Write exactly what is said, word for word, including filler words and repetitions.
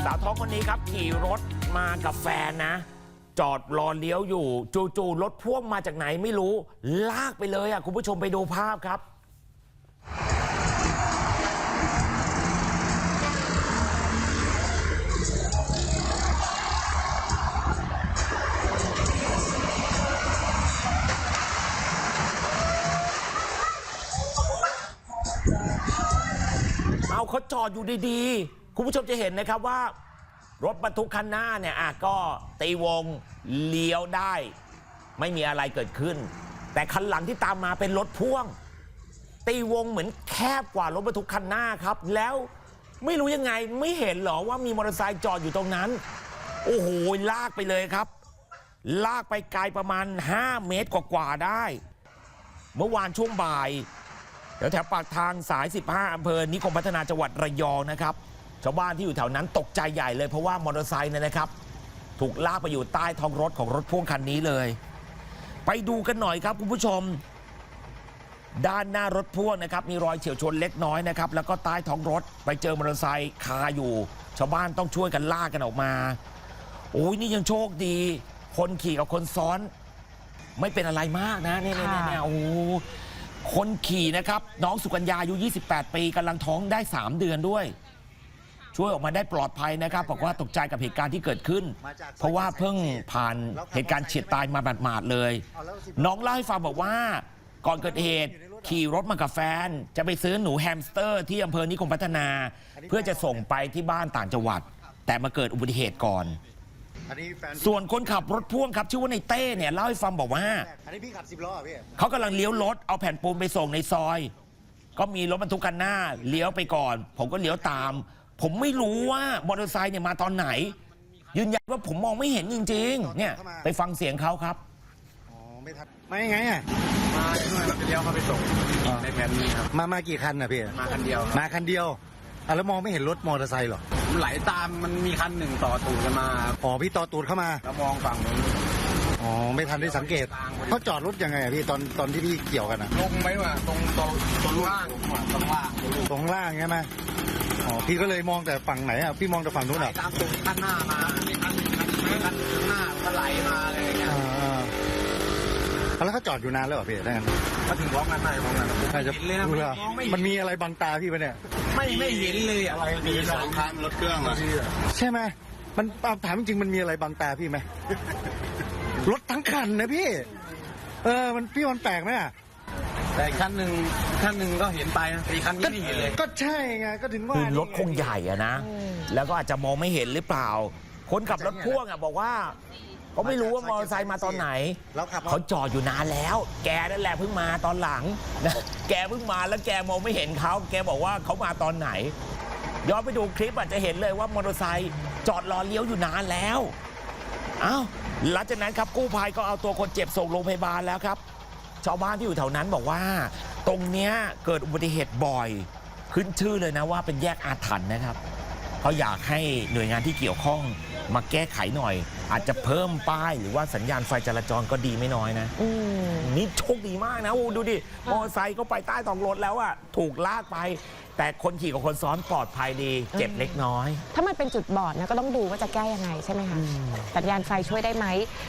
สาวท้องคนนี้ครับขี่รถมากับแฟนนะ จอดรอเลี้ยวอยู่จู่ๆรถพ่วงมาจากไหนไม่รู้ลากไปเลยอ่ะคุณผู้ชมไปดูภาพครับเอาเขาจอดอยู่ดีๆคุณผู้ชมจะเห็นนะครับว่ารถบรรทุกคันหน้าเนี่ยอ่ะก็ตีวงเลี้ยวได้ไม่มีอะไรเกิดขึ้นแต่คันหลังที่ตามมาเป็นรถพ่วงตีวงเหมือนแคบกว่ารถบรรทุกคันหน้าครับแล้วไม่รู้ยังไงไม่เห็นหรอว่ามีมอเตอร์ไซค์จอดอยู่ตรงนั้นโอ้โหลากไปเลยครับลากไปไกลประมาณห้าเมตรกว่าๆได้เมื่อวานช่วงบ่ายแถวแถวปากทางสายสิบห้าอำเภอนิคมพัฒนาจังหวัดระยองนะครับชาวบ้านที่อยู่แถวนั้นตกใจใหญ่เลยเพราะว่ามอเตอร์ไซค์เนี่ยนะครับถูกลากไปอยู่ใต้ท้องรถของรถพ่วงคันนี้เลยไปดูกันหน่อยครับคุณผู้ชมด้านหน้ารถพ่วงนะครับมีรอยเฉียวชนเล็กน้อยนะครับแล้วก็ใต้ท้องรถไปเจอมอเตอร์ไซค์คาอยู่ชาวบ้านต้องช่วยกันลากกันออกมาโอ้ยนี่ยังโชคดีคนขี่กับคนซ้อนไม่เป็นอะไรมากนะเนี่ยเนี่ยเนี่ยโอ้คนขี่นะครับน้องสุกัญญาอายุยี่สิบแปดปีกำลังท้องได้สามเดือนด้วยช่วยออกมาได้ปลอดภัยนะครับบอกว่าตกใจกับเหตุการณ์ที่เกิดขึ้นเพราะว่าเพิ่งผ่านเหตุการณ์เฉียดตายมาหมาดๆเลยน้องเล่าให้ฟังบอกว่าก่อนเกิดเหตุขี่รถมากับแฟนจะไปซื้อหนูแฮมสเตอร์ที่อำเภอนิคมพัฒนาเพื่อจะส่งไปที่บ้านต่างจังหวัดแต่มาเกิดอุบัติเหตุก่อนส่วนคนขับรถพ่วงครับชื่อว่าในเต้เนี่ยเล่าให้ฟังบอกว่าเขากำลังเลี้ยวรถเอาแผ่นปูนไปส่งในซอยก็มีรถบรรทุกคันหน้าเลี้ยวไปก่อนผมก็เลี้ยวตามผมไม่รู้ว่ามอเตอร์ไซค์เนี่ยมาตอนไหนยืนยันว่าผมมองไม่เห็นจริงๆเนี่ยไปฟังเสียงเขาครับอ๋อไม่ทันมายังไงอ่ะมาช่วยเราไปเลี้ยวเขาไปส่งในแผนนี้ครับมามากี่คันอ่ะพี่มาคันเดียวมาคันเดียวอ่ะแล้วมองไม่เห็นรถมอเตอร์ไซค์หรอไหลตามมันมีคันหนึ่งต่อตูดกันมาอ๋อพี่ต่อตูดเข้ามาแล้วมองฝั่งนู้นอ๋อไม่ทันได้สังเกตเขาจอดรถยังไงอ่ะพี่ตอนตอนที่พี่เกี่ยวกันอ่ะลงไหมวะตรงตรงตรงล่างตรงล่างตรงล่างใช่ไหมอ๋อพี่ก็เลยมองแต่ฝั่งไหนอ่ะพี่มองแต่ฝั่งนู้นอ่ะตามตูดคันหน้ามาคันคันคันหน้าก็ไหลมาอะไรอย่างเงี้ยแล้วเขาจอดอยู่นานแล้วเหรอพี่ได้กันมาถึงพร้อมกันได้พร้อมกันใช่จะมันมีอะไรบังตาพี่ปะเนี่ยไม่ไม่เห็นเลยอะไรมีสองคันรถเครื่องอ่ะใช่ไหมมันถามจริงมันมีอะไรบังตาพี่ไหมรถทั้งคันนะพี่เออมันพี่มันแปลกไหมอ่ะแต่คันหนึ่งคันหนึ่งก็เห็นไปนะอีกคันนี้ไม่เห็นเลยก็ใช่ไงก็ถึงว่าคือรถคงใหญ่อะนะแล้วก็อาจจะมองไม่เห็นหรือเปล่าคนขับรถพ่วงอะบอกว่าก็ไม่รู้ว่ามอเตอร์ไซค์มาตอนไหนเขาจอดอยู่นานแล้วแกนั่นแหละเพิ่งมาตอนหลังนะแกเพิ่งมาแล้วแกมองไม่เห็นเขาแกบอกว่าเขามาตอนไหนย้อนไปดูคลิปอาจจะเห็นเลยว่ามอเตอร์ไซค์จอดรอเลี้ยวอยู่นานแล้วอ้าวหลังจากนั้นครับกู้ภัยก็เอาตัวคนเจ็บส่งโรงพยาบาลแล้วครับชาวบ้านที่อยู่แถวนั้นบอกว่าตรงเนี้ยเกิดอุบัติเหตุบ่อยขึ้นชื่อเลยนะว่าเป็นแยกอาถรรพ์นะครับเขาอยากให้หน่วยงานที่เกี่ยวข้องมาแก้ไขหน่อยอาจจะเพิ่มป้ายหรือว่าสัญญาณไฟจราจรก็ดีไม่น้อยนะนี่โชคดีมากนะโอ้ดูดิมอเตอร์ไซค์ก็ไปใต้ท้องรถแล้วอะถูกลากไปแต่คนขี่กับคนซ้อนปลอดภัยดีเจ็บเล็กน้อยถ้ามันเป็นจุดบอดนะก็ต้องดูว่าจะแก้ยังไงใช่ไหมคะสัญญาณไฟช่วยได้ไหม